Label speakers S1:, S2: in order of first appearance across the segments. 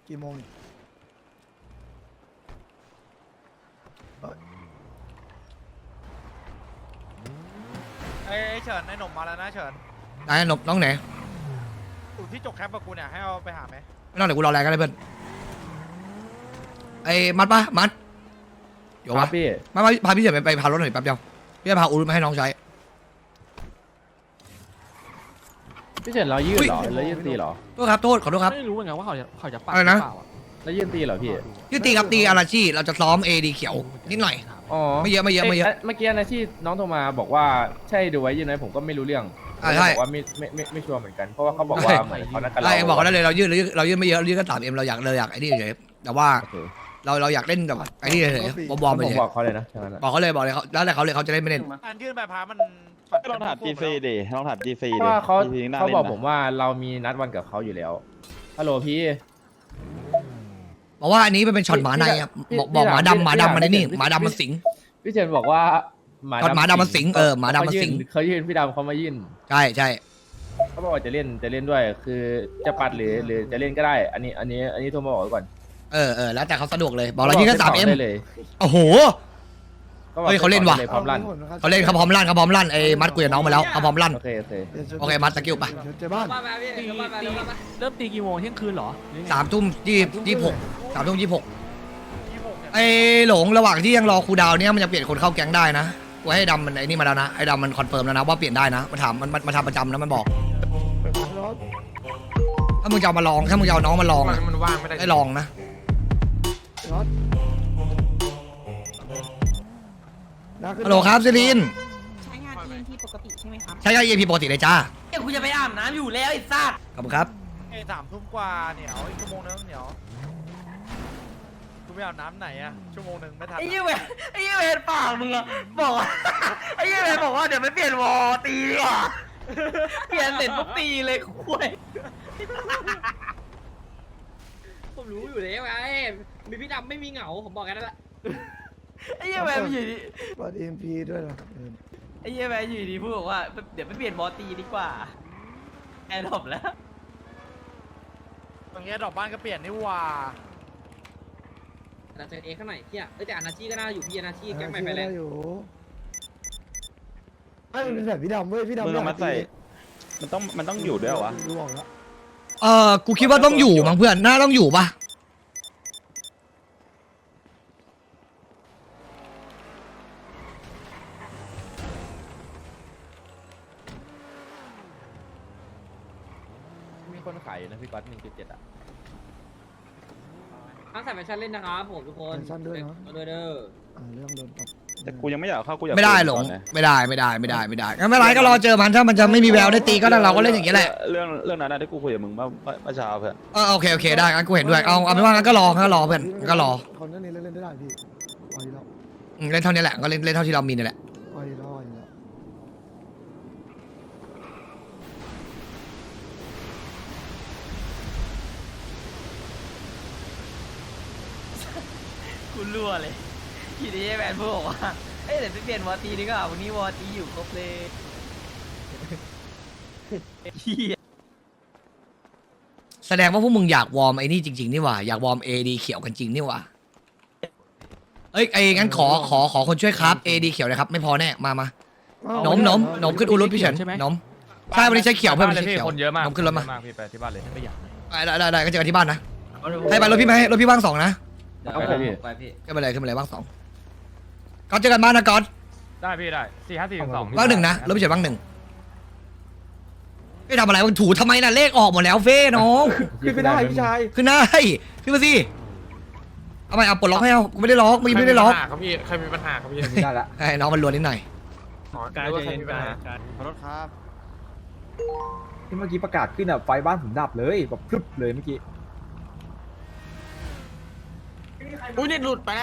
S1: กี่โมง
S2: ไอ้เฉินไอ้หนุ่มมาแล้วนะเฉิน
S3: ไหนหนบน้องไหน
S2: อยู่ที่จกแคปกับกูเนี่ยให้เอาไปหาไหม
S3: ไม่ต้องเดี๋ยวกูรอแรงกันเลยเพื่อนไอ้มัดปะมัดเดี๋ยว
S4: ครั
S3: วะ
S4: บพี่
S3: มาพาพี่เฉินไปพารถหน่อยแป๊บเดียวพี่จะพาอูรุมาให้น้องใช้
S4: พี่เฉินเรายืดเหรอแล้วยืดตีเหรอ
S3: โทษครับโทษขอโทษครับ
S5: ไม่รู้เหมือนกันว่าเขาจะปัด
S3: อะไรนะ
S5: หเปล่า
S4: แล้วยืดตีเหรอพี่
S3: ยืดตีครับตีอาราชีเราจะซ้อมเอดีเขียวนิดหน่อย
S4: อ๋อ
S3: ไม่เยอะ
S4: เมื่อกี้นะที่น้องโทรมาบอกว่าใช่ดูไว้ยืดไหมผมก็ไม่รู้เรื่อง
S3: ใช่
S4: บอกว่าไม่ชัวร์เหมือนกัน เพราะว่าเขาบอกว่าเหมือนเขานัดกัน
S3: ไอ้บอกเขาได้เลยเรายืดไม่เยอะยืดก็3M เราอยากไอ้นี่เฉยแต่ว่า
S4: โอเค
S3: เราอยากเล่นแบบไอ้นี่เฉยบอมไป
S4: ผม
S3: เฉย
S4: บอกเขาเลยนะใช่ไหมนะ
S3: บอกเขาเลยเขาแล้วแต่เขาจะเล่นไม่เล่น
S2: การยื่นใบพามัน
S6: ก็ลองถาม G4 ดิลองถาม G4
S4: เพ
S6: ดิ
S4: ราะว่าเขา
S6: G4 น่
S4: เขาบอก
S6: ล่นนะ
S4: ผมว่าเรามีนัดวันกับเขาอยู่แล้วฮัลโหลพี่
S3: บอกว่าอันนี้มันเป็นช็อตหมาในครับบอกหมาดำมันนี่หมาดำมันสิง
S4: พี่เฉินบอกว่า
S3: ช็อตหมาดำมันสิงหมาดำมันสิง
S4: เขายื่นพี่ดำเขามายื่น
S3: ใช่
S4: เขาบอกว่าจะเล่นด้วย คือจะปัดหรือจะเล่นก็ได้ อันนี้โทรมาบอกไว้ก่อน
S3: แล้วแต่เขาสะดวกเลยบอกเรายืดแค่3M
S4: ได้เลย
S3: โอ้โห
S4: ก็บอก
S3: เฮ้ยเขาเล่นว่ะ
S4: พร้อมลั่น
S3: เขาเล่นเขาพร้อมลั่นไอ้มัดคุยกับน้องมาแล้วเขาพร้อมลั่น
S4: โอเค
S3: โอเคมัดสกิลไป
S1: เจอบ้าน
S5: เริ่มตีกี่โมงเที่ยงคืนเหรอ
S3: 3 ทุ่ม26 3 ทุ่ม 26
S2: 26เนี่ย
S3: ไอ้หลงระหว่างที่ยังรอครูดาวเนี่ยมันจะเปลี่ยนคนเข้าแก๊งได้นะกูให้ดำมันไอ้นี่มาแล้วนะไอ้ดำมันคอนเฟิร์มแล้วนะว่าเปลี่ยนได้นะมันถามมันทำประจำนะมันบอกถ้ามึงจะเอามาลองถ้ามึงจะเอาน้องมาลองอะ
S2: มันว่างไม่ได้
S3: ได้ลองนะ ฮัลโหลครับซิลิน
S7: ใช้งาน EMP ปกติใช่ไหมครับ
S3: ใช้ยา EAP ปกติเลยจ้า
S7: เดี๋ยวกูจะไปอาบน้ำอยู่แล้วไอ้สัตว์
S3: ขอบคุณครับ
S2: ไอ้3 ทุ่มกว่าเหนียวอีกชั่วโมงนึงเหนียวกูไปอาบน้ำไหนอะชั่วโมงนึงไม่ทัน
S7: ไอ้ยี่เวไอ้ยี่เวปากมึงอะบอกว่า ไอ้ยี่เวบอกว่าเดี๋ยวไม่เปลี่ยนวอตีดีกว่าเปลี่ยนเสร็จปุ๊บตีเลยคุยผมรู้อยู่แล้วไงมีพี่ดำไม่มีเหงาผมบอกกันแล้วไอ้ยี่เวมันอยู่ดี
S1: เปิด EMP ด้วยเหรอ
S7: ไอ้ยี่เวอยู่ดีพูดบอกว่าเดี๋ยวไม่เปลี่ยนวอตีดีกว่าแอนดรอปแล้ว
S2: ตรงเนี้ยดอกบ้านก็เปลี่ยนนี่หว่า
S7: เราเจอเอข้างไหนเที่ยแต่อนาชีก็น่าอยู่พี่อนาชีแก๊งใหม่ไปแล้ว
S1: อยู่ไม่มันเป็นแบบพี่ดำเว้ยพี่ดำ
S6: มึงเอามาใส่มันต้องอยู่ด้วยเหรอวะ
S1: รู้ออกแล้ว
S3: กูคิดว่าต้องอยู่มั้งเพื่อนน่าต้องอยู่ปะ
S4: มีคนขายอยู่นะพี่ก๊อต1.7อ่ะ
S7: ทั้งใส่แฟชั่นเล่นนะครับผมทุกคน
S1: แฟชั่นด้วยเนาะ
S7: เด้อ
S1: เรื่องโดนตบ
S6: แต่กูยังไม่อยากเข้ากูอยาก
S3: ไม่ได้หลง
S6: ก่อนนะ
S3: ไม่ได้งั้นไม่เป็นไรก็รอเจอมันถ้ามันจะไม่มีแววได้ตีก็เราก็เล่นอย่างนี้แหละ
S6: เรื่องนั้นนะที่กูคุยกับมึงเมื่อเช้าเพื่อน
S3: โอเคได้งั้นกูเห็นด้วยเอาเป็นว่างั้นก็รอเพื่อนก็รอ
S1: คนนั้นนี่เล่นได้พี่เอาอีกแล้ว
S3: เล่นเท่านี้แหละก็เล่นเท่าที่เรามีนี่แหละ
S1: เอาอีกแล้ว
S7: คุณรั่วเลยทีนี้แมนพูดบอกว่าเอ้ยเดี๋ยวไปเปลี่ยนวอตีดีกว่าวันนี้วอตีอยู่ครบเลยเฮีย
S3: แสดงว่าพวกมึงอยากวอร์มไอ้นี่จริงๆนี่หว่าอยากวอร์ม AD เขียวกันจริงนี่หว่างั้นขอคนช่วยครับ AD เขียวนะครับไม่พอแน่มาหนมขึ้นอูรุพี่เฉินหนมใช่วันนี้ใช้เขียวเพิ่มใช้เขียว
S2: คนเยอะมาก
S3: หนมขึ้นรถมา
S2: พี่ไปที่บ้านเลยไม่อยาก
S3: ได้ก็เจอกันที่บ้านนะให้ไปรถพี่ไหมรถพี่ว่าง2นะ
S4: เอาไปพี่
S7: ไปพี่
S3: ขึ้นไปเลยว่าง2ก็เจอกันบ้านนะก๊อต
S2: ได้พี่ได้4-5-4-2
S3: ว่าง1นะรถพี่เฉินว่าง1ไม่ทำอะไรมึงถูทำไมน่ะเลขออกหมดแล้วเฟ้น้อง
S4: ขึ้นไม่ได้พี่ชาย
S3: ขึ้นได้ขึ้นมาสิเอาไปเอาปลดล็อกให้เอากูไม่ได้ล็อกไม่ได้ล็อก
S2: ครับพี่ใครมีปัญหาครับพี่
S4: ไม่ได้ละ
S3: ไอ้น้องมันรวนนิดหน่อย
S2: การว่าใครมีปัญหาขอโทษครับ
S8: ที่เมื่อกี้ประกาศขึ้นอ่ะไฟบ้านผมดับเลยแบบพรึบเลยเมื่อกี้
S2: อุ้ยเน็ตหลุดไปแล้ว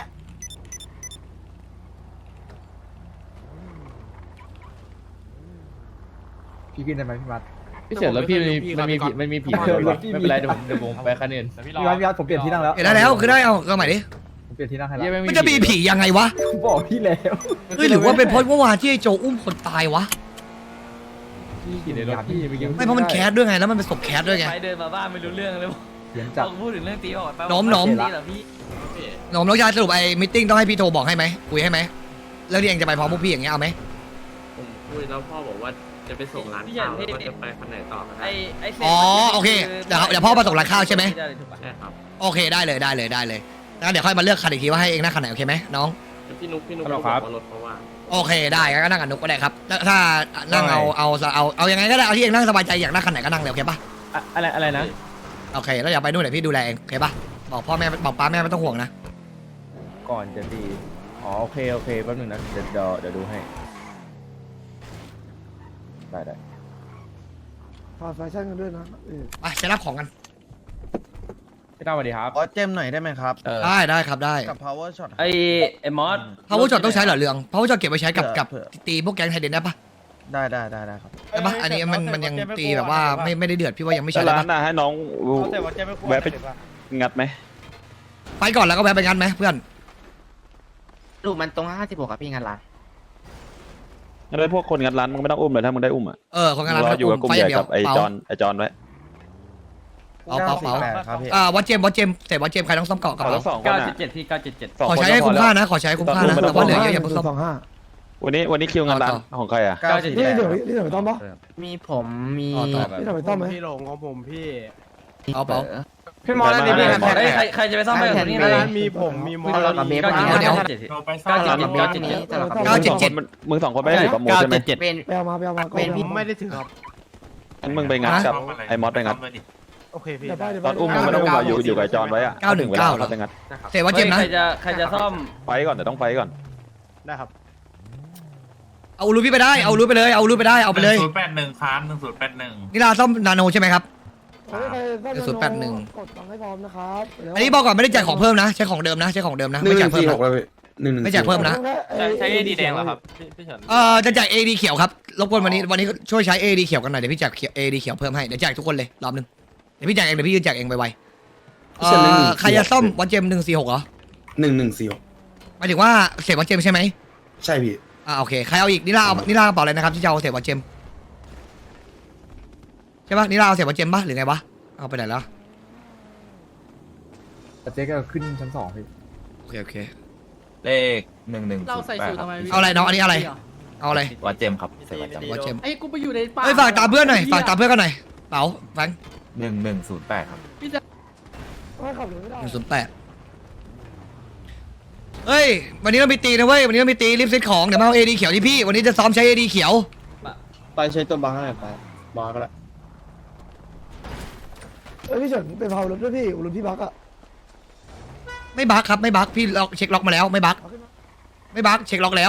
S8: พี่ขึ้นได้ไหมพี่มัด
S4: พี่เฉินแล้วพี่มันมีผีเพิ่มไม่เป็นไรเดี๋ยวผมไปคะแนน
S8: พี่มัดผมเปลี่ยนที่นั่งแล้ว
S3: เห็นได้แล้วคือได้เอาใหม่ดิ
S8: ผมเปลี่ยนที่นั่งให้
S4: เหี้ย
S8: แล้ว
S4: แง
S3: มันจะมีผียังไงวะ
S8: ผมบอกพี่แล้ว
S3: หรือว่าเป็นเพราะเมื่อวานที่ไอ้โจอุ้มคนตายวะ
S8: พี่กินในรถพี่เมื่อกี้
S3: ไม่เพราะมันแคสด้วยไงแล้วมันเป็นศพแคสด้วยไง
S7: ไปเดินมาบ้านไม่รู้เรื่องเลย
S8: เขียนจัด
S7: พูดถึงเรื่องตีบอก
S3: หนม
S7: เหรอพี่
S3: หนมน้องชายสรุปไอ้มิทติ้งต้องให้พี่โทรบอกให้ไหมคุยให้ไหมแล้วที่เองจะไปพร้อมพวกพี่อย่างเงี้ยเอาไหม
S9: ผมคุยแล้วพ่อบอกว่าจะไปส่งร้านข้าวแล้วก็จะไปคันไหนต่อกันได้
S3: อ๋อโอเคเดี๋ยวพ่อมาส่งร้านข้าวใช่ไหม
S9: ใช่ครับ
S3: โอเคได้เลยงั้นเดี๋ยวค่อยมาเลือกคันอีกทีว่าให้เองนั่งคันไหนโอเคไหมน้อง
S9: พี่นุ๊ก
S4: ฮัลโหล
S9: บ
S4: ครั
S9: อบ กว่ารถเขาว่าง
S3: โอเคได้งั้นก็นั่งกับนุกก็ได้ครับถ้านั่งเอายังไงก็ได้เอาที่เองนั่งสบายใจอยากนั่งคันไหนก็นั่งเลยโอเคปะ
S4: อะไรนะ
S3: โอเคแล้วอย่าไปนู่นเดี๋ยวพี่ดูแลเองโอเคปะบอกพ่อแม่บอกป้าแม่ไม่ต้องห่วงนะ
S4: ก่อนจะตีอ๋อโอเคแป๊บนึงนะเดี๋ยวดูให้ได้
S1: ฝากแฟชั่นกันด้วยนะ
S3: ไปไปรับของกัน
S4: พี่ต้าสวัสดีครับ
S2: ขอเจมหน่อยได้ไหมครับ
S3: ได้ครับได้
S2: กับ power shot
S7: ไอ้มอส
S3: power shot ต้องใช้เหรอเรือง power shot เก็บไว้ใช้กับตีพวกแก๊งไทยเดนได้ปะ
S2: ได้ครับ
S3: ได้ปะอันนี้มันยังตีแบบว่าไม่ได้เดือดพี่ว่ายังไม่ใช่
S6: แต่
S3: ได้
S6: ร้า
S3: ปะ
S6: นน่ะให้น้อง
S2: เขาแต่ว่าเจมไม่ควร
S6: แวะไปงัดไหม
S3: ไปก่อนแล้วก็แวะไปงั้นไหมเพื่อน
S7: ดูมันตรง56ครับพี่งานร้าน
S6: งั้นได้พวกคนงัดร้านมึงไม่ต้องอุ้มเลยถ้ามึงได้อุ้มอ่ะ
S3: คนงาน
S6: ร
S3: ร้าน
S6: ออยู่กับกลุ่ม
S3: ไฟ
S6: ให
S3: อ
S6: ญ่
S3: ย่างเดียว
S6: กับไอจอนไว้
S3: เป๋า
S2: ครับพี่
S3: วัดเจมเสร็จวัดเจมใครต้องซ่อมเกาะกระ
S6: ขอ
S3: เป๋า
S6: ทั้งสองคนอ่ะ
S7: 977พี่977
S6: สอง
S3: ขอ
S6: คน
S3: ใช้ให้
S6: ก็พ
S3: คุ้
S6: อ
S3: ม
S6: แล้ว
S3: ค่านะขอใช้ให้คุ้มค่านะแต่ว่าเหลือเยอะอย่าเพิ่งซ่อม
S1: 25
S6: วันนี้คิวงานร้านของใครอ่ะ
S1: นี่เดี๋ยวไปต้อมปะ
S7: มีผมมี
S1: นี่เดี๋ยวไปต้อมไหม
S2: พี่หลงของผมพี่
S3: เอาเป๋า
S7: พี่มอสนี่พี่ใครจะไปซ่อมไปกับนี่ร้าน
S2: มีผมมีมอ
S7: เรากับเบฟ
S3: เดี๋ยว
S6: มึงสองคนไม่ได้ถือประมูลใช่ไหม
S7: เป็น
S1: ไปเอามา
S7: เป็นพี่
S2: ไม่ได้ถือครับ
S6: งั้นมึงไปงัดกับไอ้มอสไปงัด
S2: โอเคพี่
S6: ตอนอุ้มมึงไม่ต้องอุ้มอยู่กับจอนไว้อ่ะถึงเวลาเขาไปงัด
S3: เสร็จวัดเจมนะ
S7: ใครจะซ่อม
S6: ไฟก่อนแต่ต้องไฟก่อน
S2: ได้ครับ
S3: เอารูปพี่ไปได้เอารูปไปเลยเอารูปไปได้เอาไปเลย
S9: 1081ครับ1081
S3: นี่ลาซ่อมนาโนใช่ไหมครับ
S1: กดตังค์ให้พร้อมนะครับ
S3: อันนี้บอกก่อนไม่ได้แจกของเพิ่มนะใช้ของเดิมนะไม่แจกเพิ่มนะไม่แจกเพิ่มนะ
S7: ใช้ดีแดงเหรอครับพี่เฉิน
S3: จะแจก AD เขียวครับรบกวนวันนี้ช่วยใช้ AD เขียวกันหน่อยเดี๋ยวพี่แจก AD เขียวเพิ่มให้เดี๋ยวแจกทุกคนเลยรอบนึงเดี๋ยวพี่แจกเองเดี๋ยวพี่ยืนแจกเองไวๆใครจะซ่อมวัดเจม146เหรอ
S10: 1146
S3: หมายถึงว่าเสร็จวัดเจมใช่ไหม
S10: ใช่พี่
S3: โอเคใครเอาอีกนิลากระเป๋าอะไรนะครับที่จะเอาเสร็จวัดเจมใช่ปะนิลาเอาเสร็จวัดเจมปะหรือไงวะเอาไปไหนแล้ว
S8: แต่เจ๊ก็ขึ้นชั้น2พี่
S3: โอเค
S9: เลข118
S5: เราใส่สูตรทำไม
S3: เอาอะไรน้องอันนี้อะไรเอาอะไร
S9: วัดเจมครับใส่วัดเจม
S3: วัดเจม
S5: ไอ้กูไปอยู่ในป่า
S3: ฝากตามเพื่อนหน่อยฝากตามเพื่อนกันหน่อยเป๋าแฟง
S9: 1108ครับ
S1: ไม่ขับรถไม่ได้
S3: 108เฮ้ยวันนี้เรามีตีนะเว้ยวันนี้เรามีตีรีบเซ็ตของเดี๋ยวมาเอา AD เขียวที่พี่วันนี้จะซ้อมใช้ AD เขียว
S10: ไปใช้ตัวบังอะไรไปบังก็แล้ว
S1: พี่เฉินไปเผารถด้วยพี่รถพี่บักอะ
S3: ไม่บั๊กครับไม่บั๊กพี่เช็คล็อกมาแล้วไม่บั๊กเช็คล็อกแล้ว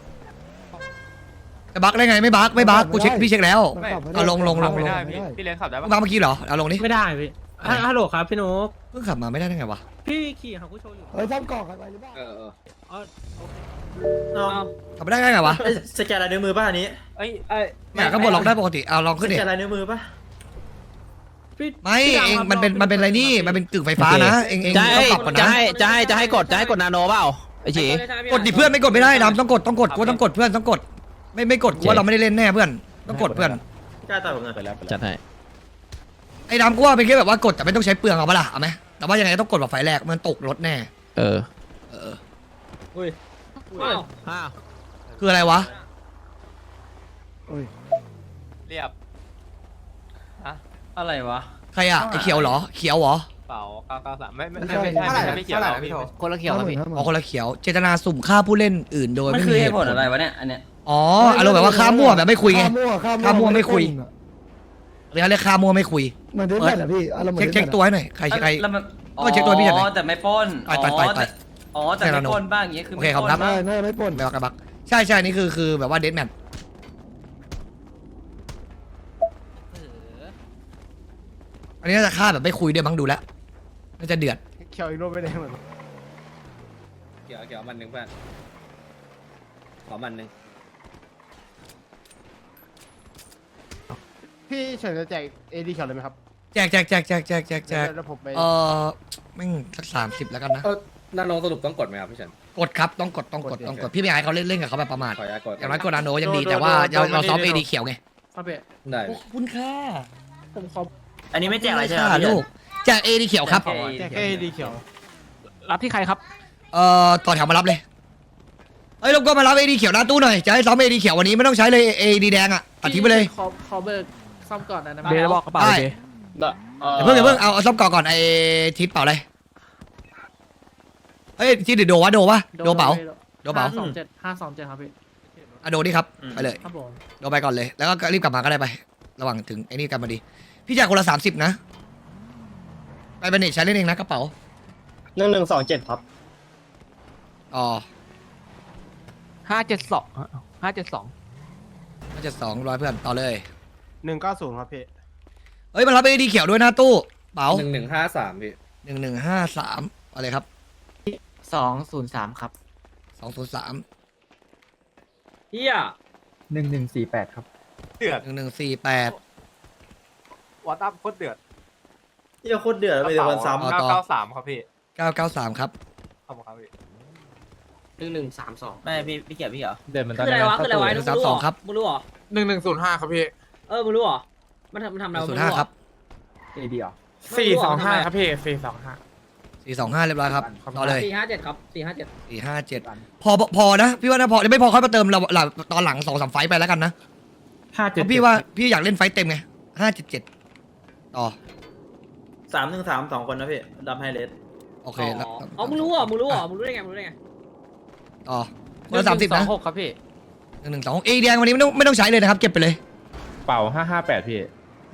S3: จะบั๊กได้ไงไม่บั๊กกูเช็คพี่เช็คแล้วเอาลง
S7: ไม่ได้พี่เลี้ยงขับได้
S3: มึ
S7: ปะ
S3: งบั๊กเมื่อกี้เหรอเอาลงดิ
S5: ไม่ได้พี่ฮัลโหลครับพี่นุ๊ก
S3: เพิ่งขับมาไม่ได้ไงวะ
S5: พี่ขี่ของกูโชว์อยู่
S1: เฮ้ยซ่อมกล่องกันไปหรือเปล่า
S3: ขับไม่ได้ไงวะ
S7: สแกนลายนิ้วมือป่ะอันนี้
S3: เนี่ยก็บดล็อกได้ปกติเอาลองขึ้นดิ
S7: สแกนลายนิ้วมือป่ะ
S3: ไม่เองมันเป็นอะไรนี่มันเป็นกึ่งไฟฟ้านะเองต้องปรับก่อนนะ
S7: จะให้กดนาโนเปล่าไอ้ฉี
S3: กดดิเพื่อนไม่กดไม่ได้ดำต้องกดกูต้องกดเพื่อนต้องกดไม่กดกูว่าเราไม่ได้เล่นแน่เพื่อนต้องกดเพื่อน
S7: กล้าต่อยผมหน่อย
S6: ไปแล้ว
S7: จัดให้
S3: ไอ้ดำกูว่าเป็นแค่แบบว่ากดแต่ไม่ต้องใช้เปลืองเอาปะล่ะเอาไหมแต่ว่ายังไงต้องกดแบบไฟแรกมันตกรถแน่ คืออะไรวะ
S7: เรียบอะไรวะ
S3: ใครอะไอเขียวเหรอเขียวเหรอ
S7: เปล่า993ไม่ใช่ไม่เกี่ยวนะพี่โทคนละเขียวครับพี่
S3: อ๋อคนละเขียวเจตนาสุ่มฆ่าผู้เล่นอื่นโดย
S7: มัน
S3: ไม่
S7: คือ
S3: มี
S7: เห
S3: เห
S7: ตุ
S3: ตุ
S7: ผ
S3: ผ
S7: ล
S3: ล
S7: อะไรวะเนี่ยอันเนี้ย
S3: อ๋ออารมณ์แบบว่าฆ่ามั่วแบบไม่คุยไง ฆ่ามั่วไม่คุย เรียกฆ่ามั่วไม่คุย
S1: เหมือนเดิมแหละพี่อารมณ์เหมือน
S3: เช็คตัวให้หน่อยใคร
S7: แล้วมัน
S3: ก็เช็คตัวพี่จัดหน่อย
S7: แต่ไม่ป้น
S3: ต่อย
S7: อ๋อแต่ไม่ป้นบ้างอย่างเงี้ยคือ
S3: โอเคครับครับ
S1: น่าจะไม่ปน
S3: ไม่ว่ากระบักใช่นี่คือแบบว่าเดทแมทอันนี้น่าจะฆ่าแบบไม่คุยด้วยมั้งดูแล้วน่าจะเดือด
S2: เขียวอีกรูปไม่ได้เหมือน
S7: เกี่ยวมันหนึ่งเพื่อนขอมันหนึ่ง
S2: พี่เฉินจะแจก AD เขียวเลยไหมครับ
S3: แจก
S2: แล้วผมไป
S3: แม่งสัก30แล้วกันนะ
S9: นาโนสรุปต้องกดไหมครับพี่เฉิน
S3: กดครับต้องกดพี่ไม่อยากให้เขาเล่นกับเขาแบบประมาท
S9: ขออนุญาตกด
S3: อย่างน้อยกดนาโนยังดีแต่ว่าเราซ้อม AD เขียวไง
S5: ครับพี่
S9: ได้
S3: ขอบคุณค่ะ
S5: ผมขอ
S7: อันนี้ไม่แจกอะไรใช่ไหม
S3: ลูกแจก AD เขียวครับ
S2: แจกเอดีเขียว
S5: รับที่ใครครับ
S3: ต่อแถวมารับเลยเฮ้ยรบกวนมารับ AD เขียวหน้าตู้หน่อยจะให้ซ้อม AD เขียววันนี้ไม่ต้องใช้เลย AD แดงอ่ะตัดทิ้งไปเลย
S5: ขอเบิกซ่อมก่อนนะ
S3: เบย์บอกกระเป๋าเลยอย่าเพิ่งเอาซ่อมก่อนไอ้ทิศเป๋าเลยเฮ้ยทิศหรือโดวะโดเป๋าโดเป๋า
S5: 527ครับพี่
S3: อะโดนี่ครับไปเลย
S5: ครับผม
S3: โดไปก่อนเลยแล้วก็รีบกลับมาก็ได้ไประหว่างถึงไอ้นี่กันมาดีพี่จ่ายคนละ30นะไปเบเนตใช้เล่นเองนะกระเป๋า
S10: 1127ครับ
S3: อ๋อ
S5: 572
S3: 572ร้อยเพื่อนต่อเลย
S2: 190ครับพี่
S3: เฮ้ยมารับ AD เขียวด้วยนะตู้เป๋า
S8: 1153พี่
S3: 1153อะไรครับ
S5: 203ครับ
S3: 203
S9: เฮีย
S8: 1148ครับ
S3: 1148
S2: วอตอัพโคตรเดือด
S10: ที่จะโคตรเดือดเลยวันซ้ำ
S2: 993ครับพี่
S3: 993ครับ
S2: ขอบคุณครับพี่
S9: 1132
S7: ไม่พี่เกียร์พี่เหรอ
S4: เดินมันตอน
S9: คืออะไรวะคืออะไรวะ
S3: 132ครับ
S9: มึงรู้เหรอ
S2: 1105ครับพี่
S9: มึงรู้เหรอมันทำอะไรวะมึงรู้เห
S3: 05ครับ
S8: AD เหรอ
S2: 425ครับพี่425
S3: 425เรียบร้อยครับต่อเลย
S9: 457ครับ457
S3: 457พอนะพี่ว่านะพอไม่พอค่อยมาเติมเราตอนหลัง2-3ไฟต์ไปแล้วกันนะเพราะพี่ว่าพี่อยากเล่นไฟต์เต็มไง577ต่อ
S7: 313 2 คนนะพี่ดับไฮเลส
S3: โอเคแล้ว
S9: อ๋อมึงรู้เหรอมึงรู้ได้ไง
S3: ต่อคนละ30นะ
S5: 6ครับพี่
S3: 112 AD แดงวันนี้ไม่ต้องใช้เลยนะครับเก็บไปเลย
S4: เป่า558พี่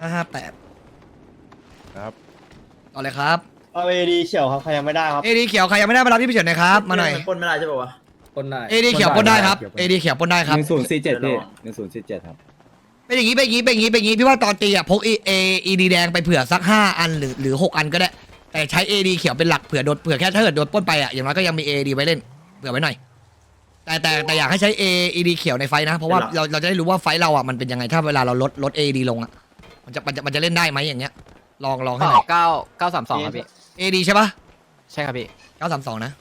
S3: 558
S4: ครับ
S3: ต่อเลยครับ
S10: เอา AD เขียวครับใครยังไม่ได้ครับ
S3: AD เขียวใครยังไม่ได้มารับพี่พิเศษหน่อยครับมาหน่อย
S7: ปนไม่ได้ใช่ป่าวะ
S8: คนได้
S3: AD เขียวปนได้ครับ AD เขียวปนได้ครับ
S8: 1047พี่1047ครับ
S3: เป็นอย่างนี้พี่ว่าตอนตีอ่ะพก AD แดงไปเผื่อสัก5 อันหรือ6 อันก็ได้แต่ใช้ AD เขียวเป็นหลักเผื่อแค่ถ้าเกิดโดนปล้นไปอ่ะอย่างน้อยก็ยังมี AD ไว้เล่นเผื่อไว้หน่อยแต่อยากให้ใช้ AD เขียวในไฟนะเพราะว่าเราจะได้รู้ว่าไฟเราอ่ะมันเป็นยังไงถ้าเวลาเราลด AD ลงอ่ะมันจะเล่นได้ไหมอย่างเงี้ยลองให้หน่อย
S5: 932ครับพี่
S3: AD ใช่ปะ
S5: ใช่ครับพี่
S3: 932นะ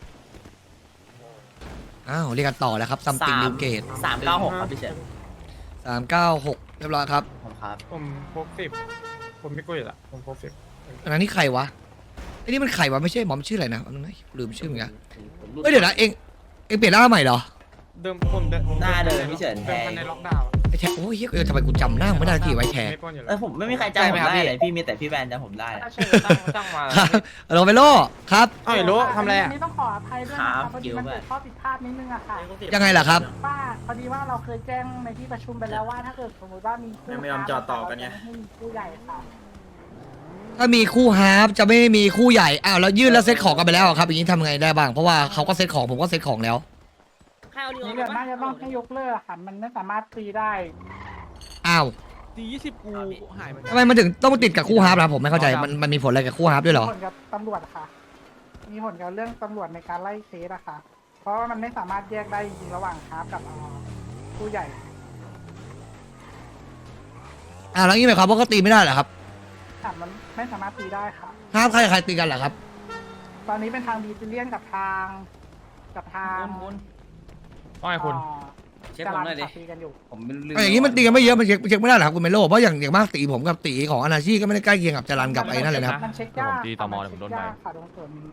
S3: อ้าวเรียกกันต่อแล้วครับซัมติงนิวเกต
S7: 396 ครับพี่เฉย
S3: 396เรียบร้อยครับ
S7: ครับ
S2: ผมพก10ผมไม่กุ้ยละผมพก10
S3: อันนั้นนี่ใครวะไอ้นี่มันใครวะไม่ใช่หมอมชื่ออะไรนะอันนั้นนะลืมชื่อเหมือนกันเฮ้ยเดี๋ยวนะเองเปลี่ยนหน้าใหม่เหรอ
S2: เดิมผมเดิม
S7: หน้าเดิมพี่เฉิน
S2: เดิมพันในล็อกดาวน์
S3: ไอ้แทโอ้ยเฮ้ยทำไมกูจำหน้าไม่ได้ที่ไว้แท
S2: ไม่ปล้นอยู่แล้ว
S7: ผมไม่มีใครจำผมได้เลยพี่มีแต่พี่แบนจำผมได้
S5: ตั้งมา
S3: ครับโรเบโลครับ
S2: เอ้ยรู้ทำอะไรอ่ะ
S1: นี่ต้องขออภัยด้วยนะครับพอดีมันเกิดข้อผิดพลาดนิดนึงอะค่ะ
S3: ยังไงล่ะครับ
S1: ว่าพอดีว่าเราเคยแจ้งในที่ประชุมไปแล้วว่าถ้าเกิดสมมติว่ามีคู่
S7: ยังไม่ยอมจอดต่อกันไง
S1: ให้มีคู่ใหญ่ค่ะ
S3: ถ้ามีคู่ฮาร์ฟจะไม่มีคู่ใหญ่อ้าวแล้วยื่นแล้วเซ็ตของกันไปแล้วอะครับอย่างนี้ทำไงได้บ้างเพราะว่าเขาก็เซ็ตของผมก็เซ็ตของแล้ว
S9: ใครเอาดีออ
S1: นี่
S9: ก
S1: เกิด
S9: มา
S1: น่าจะต้องให้ยกเลิกค่ะมันไม่สามารถตีได้
S3: อ้าว
S5: ตี20กูหายไป
S3: ทำไมมันถึงต้องติดกับคู่ฮาร์ฟล่ะผมไม่เข้าใจมันมีผลอะไรกับคู่ฮาร์ฟด้วยเหรอ
S1: มีผลกับตำรวจค่ะ มีผลกับเรื่องตำรวจในการไล่เคสอะค่ะ เพราะว่ามันไม่สามารถแยกได้จริงๆระหว่างฮาร์ฟกับผู้ใหญ่
S3: อ้าวแล้วนี่หมายความว่าก็ตีไม่ได้เหรอครับ
S1: ค่ะมันไม่สามารถตีได้ค่ะ
S3: ฮาร์ฟใครตีกันเหรอครับ
S1: ตอนนี้เป็นทางดีซิเลียนกับทาง
S2: ว่าไงคุณ
S9: เช็คผมหน่อยดิ
S1: ตีกันอยู่
S7: ผมไม่ลืม
S3: เอาอย่างนี้มันตีกันไม่เยอะมันเช็คไม่ได้เหรอครับคุณเมโลเพราะอย่างมากตีผมกับตีของอนาชีก็ไม่ได้ใกล้เคียงกับจรันกับไอ้นั่นเลยนะครับ
S1: มันเช็คยาก
S5: ผมตีตมเลยผมโดนไป
S1: ค่ะตรงส่วนนี้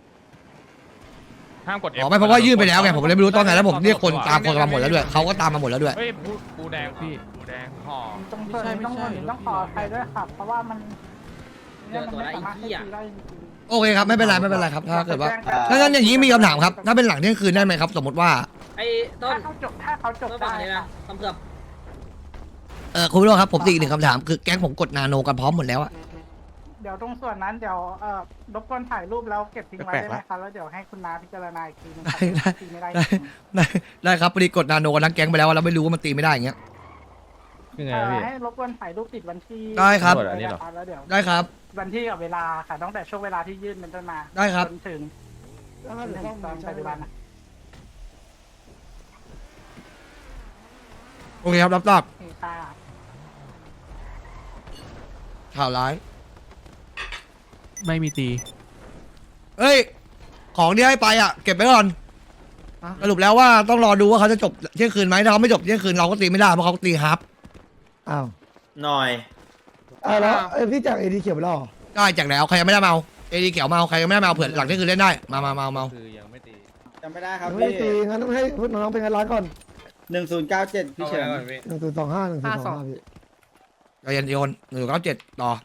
S2: ห้ามกด
S3: อ๋อไม่เพราะว่ายื่นไปแล้วไงผมเลยไม่รู้ตอนไหนแล้วผมเรียกคนตามคนมาหมดแล้วด้วยเขาก็ตามมาหมดแล้วด้วย
S2: เฮ้ยปูแดงพี่ปูแดงห่อ
S1: ตรงส่วนนี้ต้องขอใครด้วยค่ะเพราะว่ามันเนี่ยมันไม่สามารถให้ตีได้จริง
S3: โอเคครับไม่เป็นไรครับถ้าเกิดว่าถ้างั้นอย่างนี้มีคำถามครับถ้าเป็นหลังเที่ยงคืนได้ไหมครับ สมมติว่า
S9: ไอ้ต้น
S1: ถ้าเขาจบ
S9: ต้น
S1: ได้
S9: ฝั่งนี้นะ
S1: ค่ะ
S9: ทำเกือบ
S3: คุณผู้ชมครับผมตีอีกหนึ่งคำถามคือแก๊งผมกดนาโนกันพร้อมหมดแล้วอะ
S1: เดี๋ยวตรงส่วนนั้นเดี๋ยวรบกวนถ่ายรูปแล้วเก็บทิ้งไว้ได้ไหมคะแล้วเดี๋ยวให้คุณน้าพิจารณาอีกทีนึงค่ะตีไม่ได้จริง
S3: ได้ครับพอดีกดนาโนกันทั้งแก๊งไปแล้วเราไม่รู้ว่ามันตีไม่ได้อย่างเงี้ย
S4: คือไงวะพี่
S1: ให้รบกวนถ่ายรูปติดวันที่
S3: ได้ครับ
S4: อันนี้เหรอ
S1: แล้วเดี๋ยว
S3: ได้ครับ
S1: วันที่กับเวลาค่ะตั้งแต่ช่วงเวลาที่ยื่นเป็นต้นมา
S3: ได้ครับ
S1: จนถึงตอนปัจจุบันนะ
S3: โอเคครับรับทราบ
S1: โอเคค่ะ
S3: ข่าวร้าย
S5: ไม่มีตี
S3: เฮ้ยของที่ให้ไปอ่ะเก็บไว้ก่อนสรุปแล้วว่าต้องรอดูว่าเขาจะจบเที่ยงคืนไหมถ้าเขาไม่จบเที่ยงคืนเราก็ตีไม่ได้เพราะเขาตีฮับ
S1: อ้าว
S7: หน่อย
S1: แล้วพี่จากเอดีเขียวไปแล้ว
S3: ได้แจกแล้วใครยังไม่ได้มาเอาเอดีเขียวมาเอาใครยังไม่ได้มาเอาเผื่อหลังเที่ยงคืนเล่นได้มา
S4: คือยังไม่ตี
S10: จำไม่ได้ครับ
S8: ไม่
S10: พี่
S8: ตีงั้นต้องให้น้องเป็นกันร้านก่อน
S10: 1097พี่เฉิน
S8: 1025 1025พี่
S3: เรายันโยน197ต่อ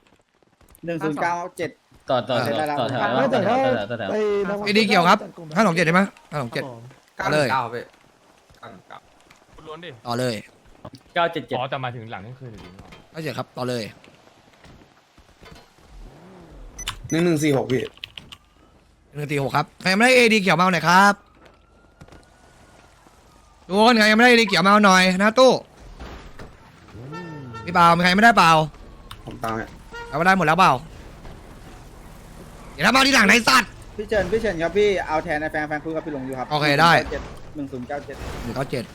S10: 1097
S4: ต่อ
S10: ได้แล้ว
S4: ต่อแถว
S8: ไม่แต่ถ้า
S4: ต่อแถว
S8: ไป
S3: เอดีเขียวครับ527ได้ไหม527ต่อเลย
S5: ล้วนดิ
S3: ต่อเลย
S4: 977
S5: อ๋อแต่มาถึงหลังนี่คือถึง
S3: ไม่เสียครับต่อเลย
S10: 1146พี่
S3: 146ครับใครยังไม่ได้เอดีเขียวมาเอาหน่อยครับทุกคนใครยังไม่ได้เอดีเขียวมาเอาหน่อยนะตู้พี่เปล่ามีใครไม่ได้เปล่า
S10: ผมตามเนี่ย
S3: เอาไม่ได้หมดแล้วเปล่าเดี๋ยวถ้ามาที่หลังในสัตว์
S10: พี่เฉินครับพี่เอาแทนในแฟนคุยกับพี่หลงอยู่ครับ
S3: โอเคได้
S10: 1097
S3: 197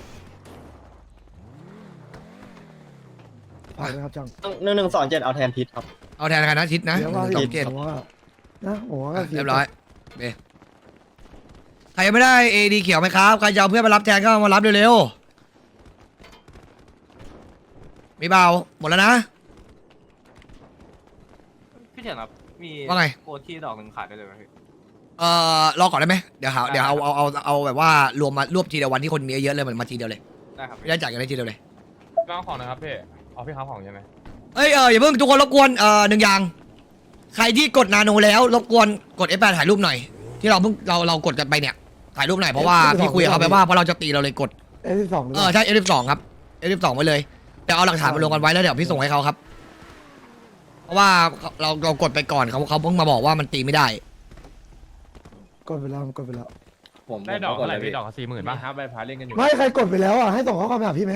S8: ฝากด้วยครับจัง
S10: 1127เอาแทนพิษครับ
S3: เอาแทนใครนะชิดนะ
S8: เดี๋ยวว่า
S3: 127
S8: ผมว่านะผมว่าก็
S3: เรียบร้อยโอเคใครยังไม่ได้เอดีเขียวไหมครับใครจะเอาเพื่อนมารับแทนก็มารับเร็วๆมีเบาหมดแล้วนะ
S9: พี่เฉินครับมี
S3: ว่าไง
S9: โคที่ดอกหนึ่งขายได้เลยไหมพี่
S3: รอก่อนได้ไหมเดี๋ยวเอาแบบว่ารวมมารวบทีเดียววันที่คนมีเยอะเลยมันมาทีเดียวเลย
S9: ได้ครับ
S3: ไม่ได้จ่ายกันได้ทีเดียวเลย
S5: ก้าวของนะครับพี่เอาพี่ค้าของใช่ไหม
S3: เอ้ยอย่าเพิ่งทุกคนรบกวนหนึ่งอย่างใครที่กดนาโนแล้วรบกวนกด F8 ถ่ายรูปหน่อย ที่เราเพิ่งเรากดกันไปเนี่ยถ่ายรูปหน่อยเพราะว่าพี่คุยกับเขาไปว่าเพราะเราจะตีเราเลยกด
S8: 12หรือเปล่า
S3: ใช่ F12 ครับ F12 ไว้เลยเดี๋ยวเอาหลักฐานมาลงกันไว้แล้วเดี๋ยวพี่ส่งให้เขาครับ เพราะว่าเรากดไปก่อนเขาเพิ่งมาบอกว่ามันตีไม่ได้
S8: กดไปแล้วกดไปแล้ว
S4: ผม
S5: ได้ดอกเท่าไหร่พี่ดอก40,000
S4: มี
S5: ป่ะ
S4: ฮาร์ปใบพาเล่นกันอยู่
S8: ไม่ใครกดไปแล้วอ่ะให้ส่งข้อความไปหาพี่ไหม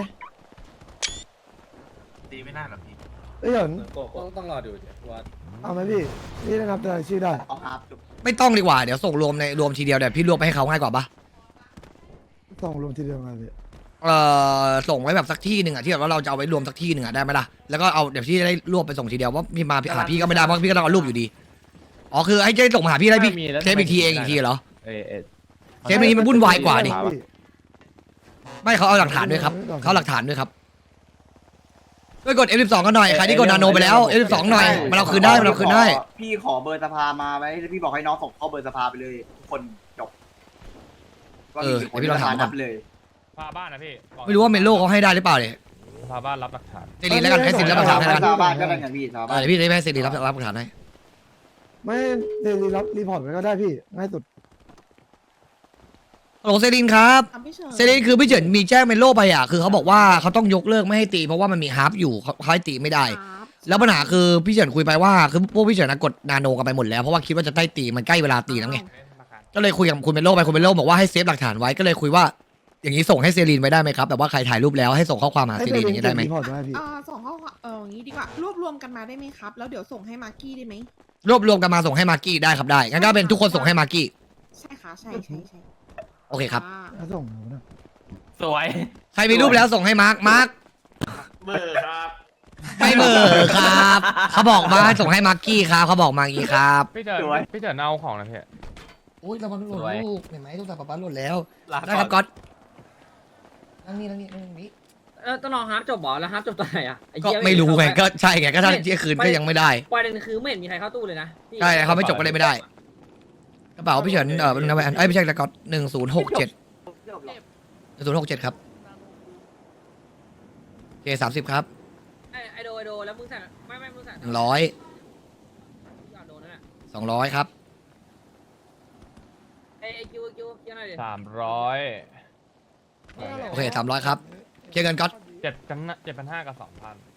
S9: ตีไม่น่าหรอกพี่
S8: เอ้ยเหรอ
S4: ต้องรอดูว่า
S8: เอาไหมพี่พี่ได้นับรายชื่อได้
S3: ไม่ต้องดีกว่าเดี๋ยวส่งรวมทีเดียวเดี๋ยวพี่รวมไปให้เขาง่ายกว่าปะ
S8: ส่งรวมทีเดียวกันพี่
S3: ส่งไว้แบบสักที่หนึ่งอ่ะที่แบบว่าเราจะเอาไว้รวมสักที่หนึ่งอ่ะได้ไหมล่ะแล้วก็เอาเดี๋ยวพี่จะได้รวบไปส่งทีเดียวว่าพี่มาหาพี่ก็ไม่ได้เพราะพี่ก็ต้องเอารูปอยู่ดีอ๋อคือให้เจ๊ส่งมาหาพี่ได้พี่เซฟอีกทีเองอีกทีเหรอ เทปนี้มันวุ่นวายกว่าดิ ไม่เขาเอาหลักฐานด้วยครับเขาเอาหลักฐานด้วยครับด้วยกด F12 ก็หน่อยใครที่กดนาโนไปแล้ว F12 หน่อยมันเอาคืนได้มันเอาคืนได้
S10: พี่ขอเบอร์สภามาไว้พี่บอกให้น้องส่งเข้าเบอร์สภาไปเลยทุกคนจบ
S3: เออเดี๋ยวพี่ลองถามก่อน
S10: เลย
S5: พาบ้านนะพี่
S3: ไม่รู้ว่าเมโลเขาให้ได้หรือเปล่าเนี่ย
S5: พาบ้านรับหลักฐาน
S3: เซรีแล้วกันให้เซรีรับหลักฐานให้แล้วกัน
S10: ชาวบ้านก็ได้กันพี่ชาวบ้าน
S3: เดี๋ยวพี่จะให้เซรีรับหลักฐานให้
S8: ไม่เดลีรับรีพอร์ตไว้ก็ได้พี่ง่ายสุด
S3: ฮัลโหลเซรีนครับเซรีนคือพี่เฉินมีแจ้งเมโลไปอ่ะคือเขาบอกว่าเขาต้องยกเลิกไม่ให้ตีเพราะว่ามันมีฮาร์ปอยู่เขาให้ตีไม่ได้ แล้วปัญหาคือพี่เฉินคุยไปว่าคือพวกพี่เฉินกดนาโนกันไปหมดแล้วเพราะว่าคิดว่าจะได้ตีมันใกล้เวลาตีแล้วไงก็เลยคุยกับคุณเมโลไปคุณเมโลบอกว่าให้เซฟหลักฐานไว้ก็เลยคุยว่าอย่างนี้ส่งให้เซรีนไปได้ไหมครับแบบว่าใครถ่ายรูปแล้วให้ส่งข้อความหา
S8: ให้
S3: เซ
S8: เด
S3: รีนอ
S8: ลี
S3: ย่างนี้ได้ไหม
S8: รีพอร์ตไว้พี่
S11: ส่งข้อความอย่างนี้ดีกว่ารวบรวมกันมาได้ไหมครับ แล้วเดี๋ยวส่งให้มากกี้ได้ไหม
S3: รวบรวมกันมาส่งให้มากกี้ได้ครับได้งั้นก็เป็นทุกคนส่งให้มากกี้
S11: ใช่ค่ะใช่
S3: โอเคครับ
S8: ถ้าส่งนะ
S9: สวย
S3: ใครมีรูปแล้วส่งให้มาร์ค
S9: เบอร์ครับ
S3: ไม่เหมอครับเขาบอกมาให้ส่งให้มาร์กี้ครับเขาบอกมาอย่างนี้ครับ
S5: พี่เฉินเอาของนะพี่
S3: โอ้ยระวังหล่นลูกเห็นไหมลูกตาป๊าหล่นแล้วได้ครับก๊อตนั่งนี่
S7: ต้องรอฮาร์ปจบบ่แล้วฮาร์ปจบตอนไหนอ่ะ
S3: ก็ไม่รู้ไงก็ใช่ไงก็ถ้าเที่ยงคืนก็ยังไม่ได้
S7: ประเด็นคือไม่เห็นมีใครเข้าตู้เลยนะ
S3: ใช่เขาไม่จบก็เลยไม่ได้กระเป๋าพี่เฉินเป็นอะไรไม่ใช่แล้วก๊อต1067ครับโอเค30ครับ
S7: ไอโดแล้วมึงสั่งไม่มึงสั่ง
S3: 100
S7: โดนนั่นแหละ
S3: 200ครับ
S7: ไอคิวยังไงดิ
S5: 300
S3: โอเค300ครับเคลียร์เงินก๊อต
S5: 7,500 กับ 2,000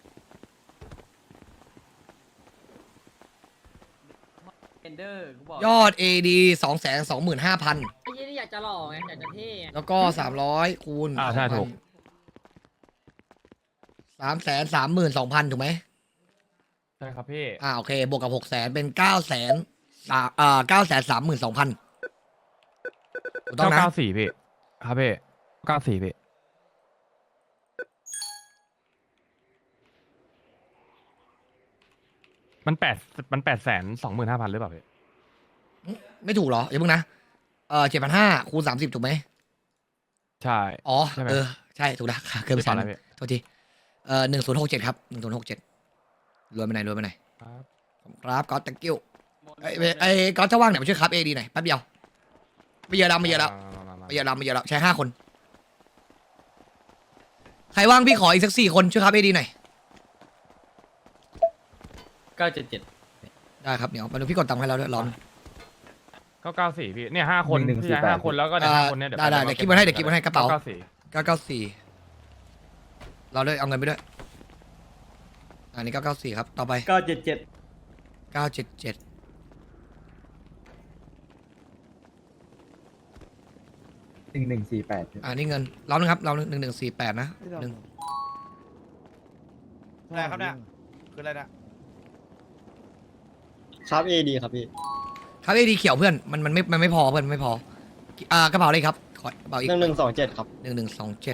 S7: เอนเดอร์กูบอก
S3: ยอด AD 225,000
S7: ไอ้ยี่นี่อยากจะหล่อไงอยากจะเท่
S3: แล้วก็300คูณ
S5: ใช่ถูก
S3: 332,000ถูกไหม
S5: ใช่ครับพี่
S3: โอเคบวกกับ600,000เป็น932,000ถูกต้องนะ
S5: 994พี่ครับพี่94พี่มัน825,000หรือเปล่าพี่
S3: ไม่ถูกเหรออย่าเพิ่งนะ7,500คูณ30ถูกไหม
S5: ใช่
S3: อ๋อ
S5: ใช่ไหม
S3: ใช่ถูกนะเกินไป
S5: พี่
S3: 3
S5: อะไรพี่
S3: โทษที1067ครับ1067รวมไปไหน
S5: ครับ
S3: ครับก็ thank you ไอ้ก็จะว่างเนี่ยมาช่วยครับเอดีหน่อยแป๊บเดียวไม่เยอะแล้วไม่เยอะแล้วไม่เยอะแล้วใช้5 คนใครว่างพี่ขออีกสัก4 คนช่วยครับเอดีหน่อย
S7: 977
S3: ได้ครับเดี๋ยวมาดูพี่กดตังค์ให้เราด้วยร้อน
S5: 994พี่เนี่ย5 คน
S8: หนึ่ง
S5: พี่
S8: สี่
S5: ใช้
S8: แปด
S5: 5 คนแล้วก็ใน5 คนเนี่ย
S3: ได้เดี๋ยวคิดมาให้กระเป๋า
S5: 994
S3: 994เราเลยเอาเงินไปด้วยอันนี้994ครับต่อไป
S7: 977
S3: 977
S8: 1148
S3: อันนี้เงินเรานึงครับเรา1148นะหนึ่ง
S2: อะไรครับเนี่ยคืออะไรเนี่ย
S6: ครับเอดีครับพี่
S3: ครับเอดีเขียวเพื่อนมันไม่พอเพื่อนมันไม่พอกระเป๋าเลยครับขอกระเป๋าอีก
S6: 1127ครับ
S3: 1127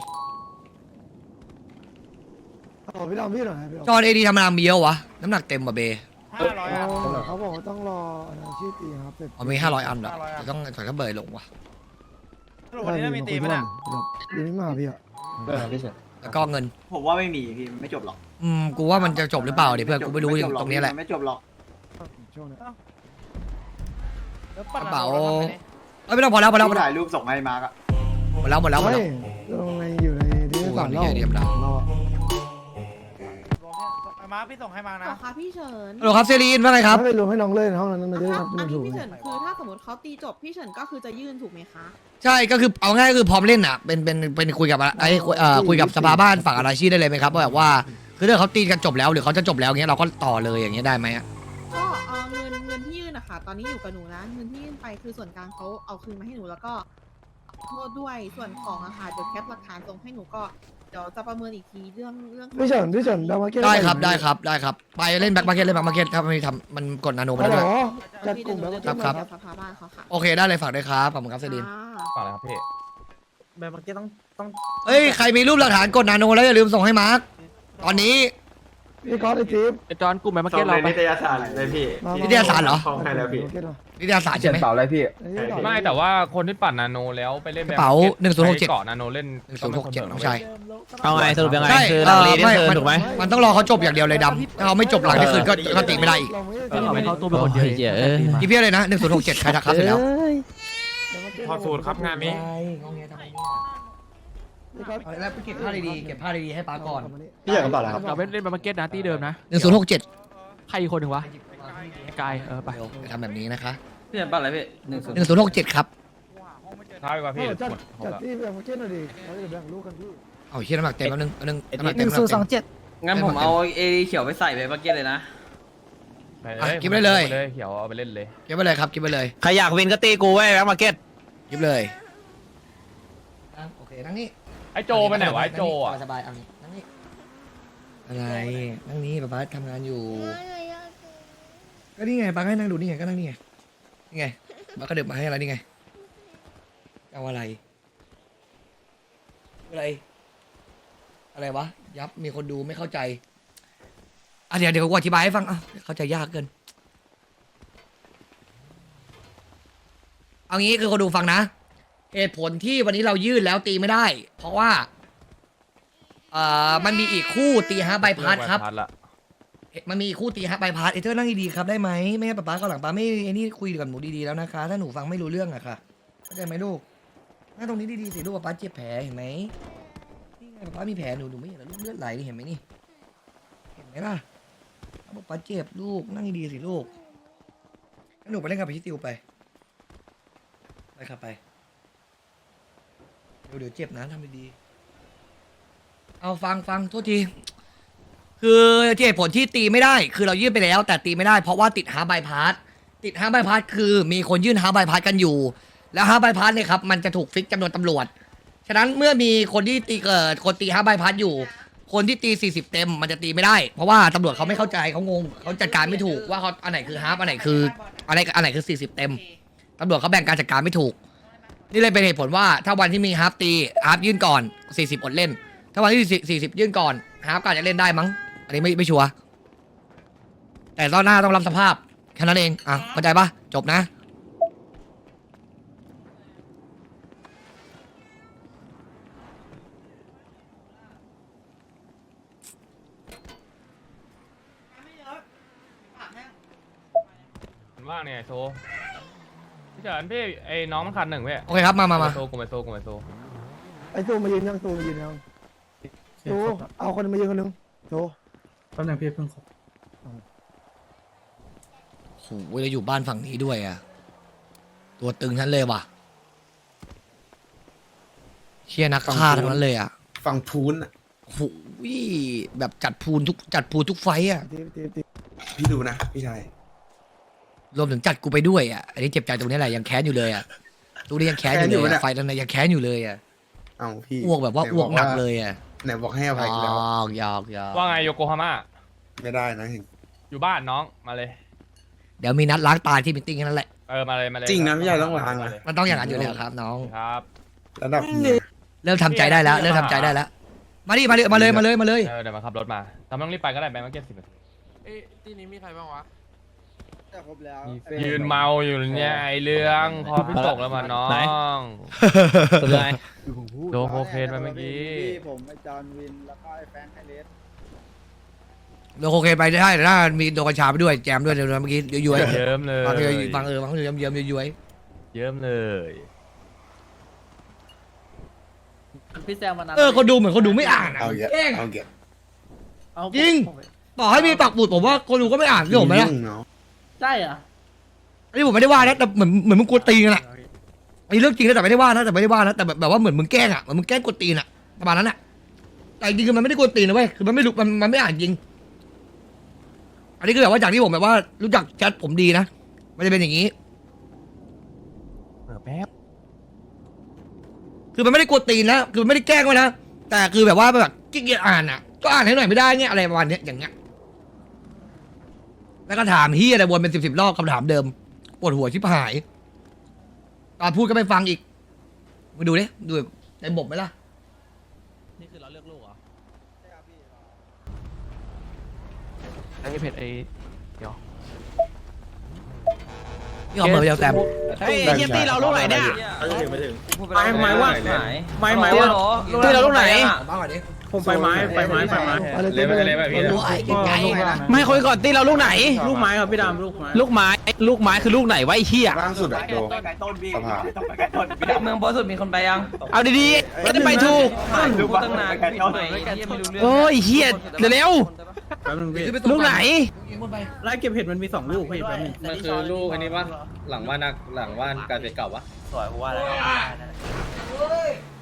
S1: พี่ลองพี่หน่อยพี่
S3: จอเอดีธรรมดามีเยอะวะน้ำหนักเต็มว่ะเบ
S2: 500อ่ะ
S1: เขาบอกว่าต้องรอชื่อตีครับ
S3: อ๋อมี500 อันเหรอ
S2: 500 อัน
S3: ต้องถอยก็เบยลงว่ะ
S2: สรุปวันนี้มีตีไหมเนี่ย
S1: ยังไม่มาพี่อ่ะ
S6: เออพี่เฉิน
S3: แล้วก็เงิน
S10: ผมว่าไม่มีพี่ไม่จบหรอก
S3: กูว่ามันจะจบหรือเปล่าเดี๋ยวเพื่อนกูไม่รู้ตรงนี้แหละ
S10: ไม่จบหรอก
S1: ช่วงนี้
S2: แล้วปั่น
S3: กระเป๋า
S2: อทำไมนี่
S3: เอ้ยไม่ต้องพอแล้ว
S10: พี่ถ่ายรูปส่งให้มาร์กอะ
S3: หมดแล้ว
S1: ลงในอยู่ในที่สารเราเรา
S2: รวมเนี่ยไอ้มาร์คพี่ส่งให้มา
S11: ต่
S2: นะ
S11: อค่ะพี่เฉิน
S3: ฮัลโหลครับเซรีนว่าไงครับ
S1: ไม่ไปรวมให้น้องเล่นห้องนั้นมันจะได้
S11: ถ้า
S1: รับ
S11: อัน
S1: ถู
S11: ที่
S1: ก
S11: พี่เฉินคือถ้าสมมติเขาตีจบพี่เฉินก็คือจะยื่นถูกไหมคะ
S3: ใช่ก็คือเอาง่ายก็คือพร้อมเล่นอ่ะเป็นคุยกับคุยกับสภาบ้านฝั่งอาราชีได้เลยไหมครับว่าแบบว่าคือถ้าเขาตีกันจบแล้วหรือเขาจะจบแล้วเงี้ยเราก็ต่อเลยอย่างเงี้ยได้ไหมอะ
S11: ก็เงินที่ยื่นอะค่ะตอนนี้อยู่กับหนูนะเงินที่ยื่นไปคือส่วนกลางเขาเอาคืนมาให้หนูแล้วก็ขอโทษด้วยส่วนของอะค่ะเดี๋ยวแคปหลักฐานส่งให้หนูก็เดี๋ยวจะประเมินอีกทีเรื่อง
S1: พี่เฉินดามาเก็ต
S3: ได้ครับไปเล่นแบ็คมาร์เก็ตถ้าไม่ทำมันกดนาโนไป
S1: ฮัล
S3: แล้ว
S1: โหล
S3: ด้วย
S1: จัดกลุ่มแล้วก็
S3: ครับ
S11: เดี๋ยวสภาบ้านเขาค่ะ
S3: โอเคได้เลยฝากด้วยครับขอบคุณครับเซรีน
S5: ฝากเลยครับพี่
S7: แบบเมื่อกี้ต้อง
S3: เอ้ยใครมีรูปหลักฐานกดนาโนแล้วอย่าลืมส่งให้มาร์คตอนนี้
S1: พี่ก๊อตไอจิ๊บ
S5: ไอจอนกลุ่มแมมาเก็ตเราไป
S9: นิตยสารเลยพี่
S3: นิตยสารเหรอ
S9: ของให้แล้วพี่
S3: นิตยสาร
S8: เขีย
S3: ใช่
S8: น
S3: ไหม
S8: เปล่าอะไรพี่
S5: ไม่แต่ว่าคนที่ปั่นนาโนแล้วไปเล่น
S3: กระเป๋า
S5: แบบ
S3: 1067
S5: ใช้เกาะนาโนเล่น
S3: 1067น้องชาย
S7: เอาไงสรุปยังไง
S3: ใช่
S7: คือหลังรีนี่คือ
S3: มัน
S7: ถูกไหม
S3: มันต้องรอเขาจบอย่างเดียวเลยดำถ้าเขาไม่จบหลังที่คืนก็ตีไม่ได้อีก
S7: เข้าตู้เป็นคนเดียวเหี้ย
S3: กี่เพี้ยเลยนะ1067ใครทักครับเสร็จแล้ว
S5: พอสูตรครับงานนี้
S3: แล้วเก็บผ้าดีๆเก็บผ้าดีๆให้ป้าก่อน
S6: พี่อยากกระเป๋าอะไรครับ
S5: เราไปเล่นแมมาเก็ตนะที่เดิมนะ
S3: 1067
S5: ใครอีกคนหนึ่งวะกายไป
S3: เดี๋ยวทำแบบนี้นะคะ
S7: พี่เห็นป่ะอะไรพี่
S3: 1067ครับ
S5: ท้ายกว่าพี่
S1: จัดที่ดามาเก็ตหน่อยดิเราจะแบ่งลูกกันพี่
S3: เอาเฮียน้ำหนักเต็มแล้วนึงน้ำหนักเต็ม
S7: งั้นผมเอาเอเขียวไปใส่ไปเมื่อกี้เลยนะ
S3: เก็บไปเลย
S5: เขียวเอาไปเล่นเลย
S3: เก็บไปเลยครับเก็บไปเลย
S7: ใครอยากวินก็ตีกูไว้แบ็คมาร์เก็ต
S3: เก็บเลยโอเคนั่งนี่
S5: ไอโจไปไหนวะไอโจอ่ะ
S3: สบายๆเอานี่นั่งนี่อะไรนั่งนี่ป้าทำงานอยู่ก็นี่ไงป้าให้นั่งดูนี่ไงก็นั่งนี่ไงนี่ไงป้าก็เดินมาให้อะไรนี่ไงเอาอะไรวะยับมีคนดูไม่เข้าใจเดี๋ยวกูอธิบายให้ฟังเข้าใจยากเกินเอางี้คือคนดูฟังนะเหตุผลที่วันนี้เรายื่นแล้วตีไม่ได้ เพราะว่ามันมีอีกคู่ตีฮะใบพัดครับมันมีอีกคู่ตีฮะใบพัดเธอนั่งดีๆครับได้ไหมไม่งั้นป๊าเขาหลังป๊าไม่ไอ้นี่คุยกับหนูดีๆแล้วนะคะถ้าหนูฟังไม่รู้เรื่องอะค่ะเข้าใจไหมลูกนั่งตรงนี้ดีๆสิลูกป๊าเจ็บแผลเห็นไหมนี่ไงป๊ามีแผลหนูไม่เห็นเหรอลูกเลือดไหลนี่เห็นไหมนี่เห็นไหมล่ะป๊าเจ็บลูกนั่งดีๆสิลูกหนูไปเล่นกับพี่ติวไปครับไปเดี๋ยวเจ็บนะทำดีๆเอาฟังโทษทีคือที่เหตุผลที่ตีไม่ได้คือเรายื่นไปแล้วแต่ตีไม่ได้เพราะว่าติดฮาร์บายพาสคือมีคนยื่นฮาร์บายพาสกันอยู่แล้วฮาร์บายพาสเนี่ยครับมันจะถูกฟิกจำนวนตำรวจฉะนั้นเมื่อมีคนที่ตีคนตีฮาร์บายพาสอยู่คนที่ตี40เต็มมันจะตีไม่ได้เพราะว่าตำรวจเขาไม่เข้าใจเขางงเขาจัดการไม่ถูกว่าเขาอันไหนคือฮาร์บอันไหนคืออันไหนคือ40เต็มตำรวจเขาแบ่งการจัดการไม่ถูกนี่เลยเป็นเหตุผลว่าถ้าวันที่มีฮาร์ปตีฮาร์ปยื่นก่อน40อดเล่นถ้าวันที่40ยื่นก่อนฮาร์ปก็อาจจะเล่นได้มั้งอันนี้ไม่ชัวร์แต่ตอนหน้าต้องรับสภาพแค่นั้นเองเข้าใจปะจบนะ
S5: ว่างเนี่ยโซพี่เฉินพี่ไอ้น้องมันขาดหนึ่งเว้ย
S3: โอเคครับมา
S5: โซกูไปโซ
S8: ไอ้โซมายืนยังโซมายืนยังโซเอาคนมายืนคนนึงโซแป๊บนึงพี่เพิ่งขอ
S3: โหเราอยู่บ้านฝั่งนี้ด้วยอ่ะตัวตึงทั้นเลยว่ะเชียนักฆ่าทั้งนั้นเลยอ่ะ
S10: ฝั่งพูนอ่ะ
S3: โหแบบจัดพูนทุกไฟต์อ่ะ
S10: พี่ดูนะพี่ชาย
S3: รวมถึงจัดกูไปด้วยอ่ะอันนี้เจ็บใจตรงนี้แหละยังแค้นอยู่เลยอ่ะตรงนี้ยังแค้นอยู่เลยอะไฟนั้นนะยังแค้นอยู่เลยอ่ะ
S10: เอาพี่
S3: อ้วกแบบว่าอ้วกหนักเลยอ่ะ
S10: ไหนบอกให้อภัยแล้ว
S3: ยอก
S5: ว่าไงโยโกฮาม่า
S10: ไม่ได้นะเห็น
S5: อยู่บ้านน้องมาเลย
S3: เดี๋ยวมีนัดล้างตาที่มิทติ้งนั่นแหละ
S5: มาเลย
S10: จริงนะพี่ชายต้องล้างนะ
S3: มันต้องอย่างนั้นอยู่แล้วครับน้อง
S5: ครับ
S10: ระดับเนี้ย
S3: เริ่มทำใจได้แล้วมาดิมาเลย
S5: เดี๋ยวมาขับรถมาแต่ไม่ต้องรีบไปก็ได้แบงค์มาเก็บ10 นาที
S2: ที่นี้มีใครบ้างวะ
S8: ครบแล้ว
S5: ยืนเมาอยู่เนี่ยไอเรื่องพอพี่ตกแล้วมาน้องโดนโคเคนไปเมื่อกี้
S8: ผมไอ้จอห์นวินแล้วก็ไอ้แฟรงค์ไฮเลส
S3: เราโอเคไปได้แต่ถ้ามีโดนกัญชาไปด้วยแจมด้วยเดี๋ยวเมื่อกี้ย้วย
S5: เยิ้มเลย
S3: บางเยิ้มย้วย
S5: เยิ้มเลย
S7: พี่แซมวันนั้น
S3: คนดูเหมือนคนดูไม่อ่านอ่ะ
S10: เอาเยอะ
S3: แกล้ง
S10: เอาเยอะ
S3: จริง ต่อให้มีปักหมุดผมว่าคนดูก็ไม่อ่านพี่ผมไหมล่ะ
S10: ยุ่งเนาะ
S7: ใช่เหรอ
S3: อันนี้ผมไม่ได้ว่านะแต่เหมือนมึงกวนตีนกันอ่ะไอ้เรื่องจริงนะแต่ไม่ได้ว่านะแต่แบบว่าเหมือนมึงแกล้งอ่ะเหมือนมึงแกล้งกวนตีนอ่ะประมาณนั้นอ่ะแต่จริงๆคือมันไม่ได้กวนตีนนะเว้ยคือมันไม่รู้มันไม่อ่านจริงอันนี้คือแบบว่าจากที่ผมแบบว่ารู้จักแชทผมดีนะมันจะเป็นอย่างนี้
S5: แป๊บ
S3: คือมันไม่ได้กวนตีนนะคือมันไม่ได้แกล้งไว้นะแต่คือแบบว่าแบบขี้เกียจอ่านอ่ะก็อ่านให้หน่อยไม่ได้เงี้ยอะไรประมาณเนี้ยอย่างเงี้ยแล้วก็ถามเฮียอะไรวนเป็น10 รอบคำถามเดิมปวดหัวชิบหายตอนพูดก็ไม่ฟังอีกมาดูดิดูในบบไหมล่ะ
S7: นี่คือเราเลือกลูกเหรอ
S5: ไอ้เพจไอ้
S3: นี่เอามือไปเดียวแต้ม
S7: เฮ้ยเฮียตีเราลูกไหนเนี่ย
S10: ไม้ว่า
S7: ไม่ว่าตีเราลูกไหน
S3: บ้างก่อนดิ
S10: ผมไปไม้
S5: เลยไปพี่
S3: รู้ไอ้ไกลๆนะ
S7: ไม่คุยก่อนตีเราลูกไหน
S10: ลูกไม้ครับพี่ดำลูกไม้
S7: ลูกไม้คือลูกไหนวะไอ้เหี้ย
S10: ล่างสุดอะโด
S11: ไก่ต้นพี่
S10: สภา
S11: ต้องไปไก่ต้น
S7: เมืองบอสสุดมีคนไปยัง เอาดีๆไม่ได้ไปถูก
S11: ดูตั้งนานไก่ต้นไม่รู้เรื่อง
S7: โอ้ยเหี้ยเร็ว
S10: แป๊บนึงพี่
S7: ๆลูกไหน
S10: ไล่เก็บเห็ดมันมี2ลูกพี่แป๊บนึง
S9: มันคือลูกอันนี้ปะหลังบ้านการเก่าปะ
S11: สวยกูว่าแล้ว